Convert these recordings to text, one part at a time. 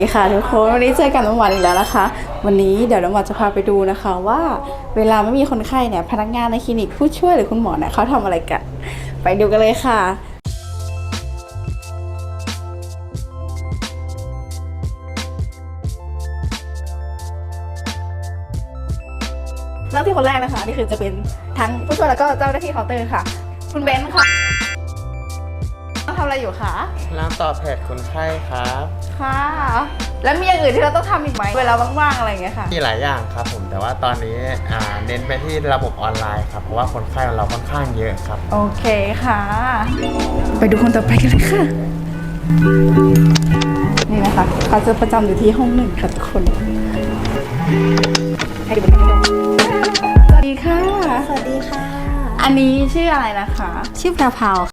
สวัสดีค่ะทุกคนวันนี้เจอกันน้ำหวานอีกแล้วนะคะวันนี้เดี๋ยวน้ำหวานจะพาไปดูนะคะว่าเวลาไม่มีคนไข้เนี่ยพนักงานในคลินิกผู้ช่วยหรือคุณหมอเนี่ยเขาทำอะไรกันไปดูกันเลยค่ะเริ่มที่คนแรกนะคะนี่คือจะเป็นทั้งผู้ช่วยแล้วก็เจ้าหน้าที่เคาน์เตอร์ค่ะคุณเบนซ์ค่ะทำอะไรอยู่คะน้ำตอบแผดคนไข้ครับค่ะแล้วมีอย่างอื่นที่เราต้องทำอีกไหมเวลาว่างๆอะไรอย่างเงี้ยค่ะมีหลายอย่างครับผมแต่ว่าตอนนี้เน้นไปที่ระบบออนไลน์ครับเพราะว่าคนไข้ของเราค่อนข้างเยอะครับโอเคค่ะไปดูคนต่อไปกันเลยค่ะนี่นะคะเขาจะประจำอยู่ที่ห้อง1ค่ะทุกคนให้ดูบรรยากาศสวัสดีค่ะสวัสดีค่ะอันนี้ชื่ออะไรนะคะชื่อแพรวค่ะ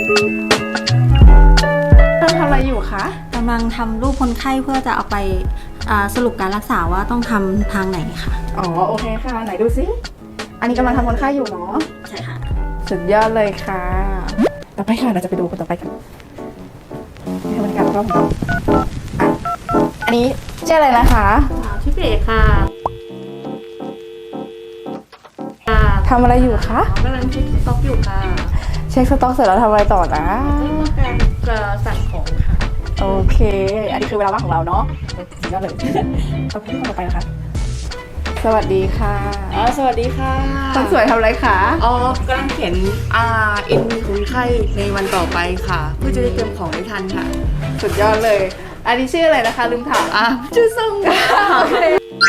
ทำอะไรอยู่คะกำลังทำรูปคนไข้เพื่อจะเอาไปสรุปการรักษาว่าต้องทำทางไหนค่ะอ๋อโอเคค่ะไหนดูซิอันนี้กำลังทำคนไข้อยู่เนาะใช่ค่ะสุดยอดเลยค่ะต่อไปค่ะเราจะไปดูคนต่อไปกันให้บรรยากาศรอบๆอันนี้ชื่ออะไรนะคะชื่อเบกค่ะทำอะไรอยู่คะกำลังเช็คสต็อกอยู่ค่ะเช็คสต็อกเสร็จแล้วทำอะไรต่อนะการจะสั่งของค่ะโอเคอันนี้คือเวลาว่างของเราเนาะก็เลยต่อไปคนต่อไปนะคะสวัสดีค่ะสวัสดีค่ะคนสวยทำอะไรคะกำลังเขียนNV คนไข้ในวันต่อไปค่ะเพื่อจะได้เตรียมของได้ทันค่ะสุดยอดเลยอันนี้ชื่ออะไรนะคะลืมถามชื่อซ่งค่ะโอเค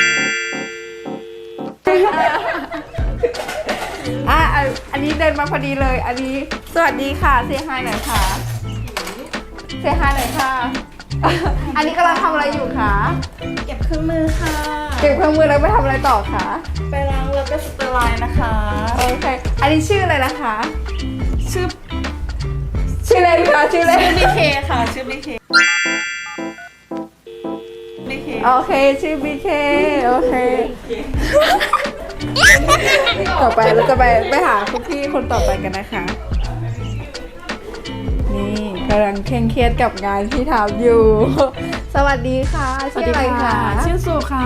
อันนี้เดินมาพอดีเลยอันนี้สวัสดีค่ะเซฮายหน่อยค่ะเซฮายหน่อยค่ะอันนี้กำลังทำอะไรอยู่คะเก็บเครื่องมือค่ะเก็บเครื่องมือแล้วไปทำอะไรต่อคะไปล้างแล้วก็สเตอร์ไลน์นะคะโอเคอันนี้ชื่ออะไรนะคะชื่อเล่นค่ะชื่อเล่นชื่อ BK ค่ะชื่อ BK โอเคชื่อ BK โอเคต่อไปเราจะไปหาคุณพี่คนต่อไปกันนะคะนี่กำลังเคร่งเครียดกับงานที่ทำอยู่สวัสดีค่ะชื่ออะไรคะชื่อสุค่ะ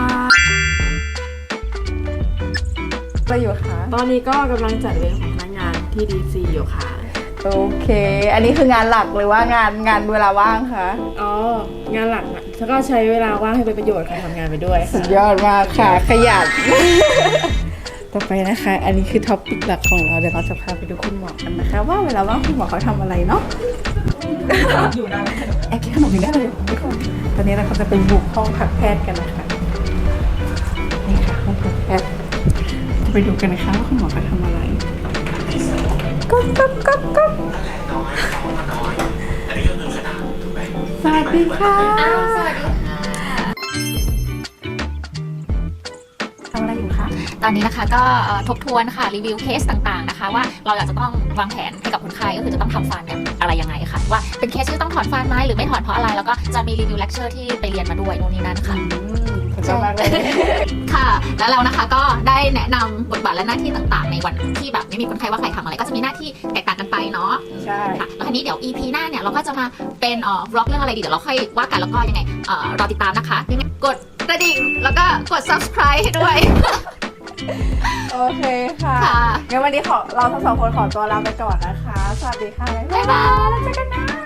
อะไรอยู่คะตอนนี้ก็กำลังจัดเวรของพนักงานที่ DC อยู่ค่ะโอเคอันนี้คืองานหลักหรือว่างานเวลาว่างคะงานหลักแล้วก็ใช้เวลาว่างให้เป็นประโยชน์ค่ะทำงานไปด้วยสุดยอดมากค่ะขยันต่อไปนะคะอันนี้คือท็อปปิกหลักของเราเดี๋ยวเราจะพาไปดูคุณหมอกันนะคะว่าเวลาว่างคุณหมอเขาทำอะไรเนาะอยู่ได้แอบกินขนมอยู่ได้เลยทุกคนตอนนี้เราจะไปบุกห้องพักแพทย์กันนะคะนี่ค่ะห้องพักแพทย์จะไปดูกันนะคะว่าคุณหมอเขาทำอะไรก๊อกสวัสดีค่ะสวัสดีค่ะทำอะไรอยู่คะตอนนี้นะคะก็ทบทวนค่ะรีวิวเคสต่างๆนะคะว่าเราอยากจะต้องวางแผนให้กับคนไข้ก็คือจะต้องทำฟันเนี่ยอะไรยังไงค่ะว่าเป็นเคสที่ต้องถอนฟันไหมหรือไม่ถอนเพราะอะไรแล้วก็จะมีรีวิวเลคเชอร์ที่ไปเรียนมาด้วยโน่นนี่นั่นค่ะชอบมากเลยค่ะแล้วเรานะคะก็ได้แนะนำบทบาทและหน้าที่ต่างๆในวันที่แบบไม่มีคนไข้ว่าใครทำอะไรก็จะมีหน้าที่แตกต่างกันไปเนาะใช่ค่ะแล้วทีนี้เดี๋ยว EP หน้าเนี่ยเราก็จะมาเป็นบล็อกเรื่องอะไรดีเดี๋ยวเราค่อยว่ากันแล้วก็ยังไงรอติดตามนะคะยังไงกดกระดิ่งแล้วก็กด subscribe ให้ด้วยโอเคค่ะงั้นวันนี้เราทั้งสองคนขอตัวลาไปก่อนนะคะสวัสดีค่ะบ๊ายบายแล้วเจอกันนะ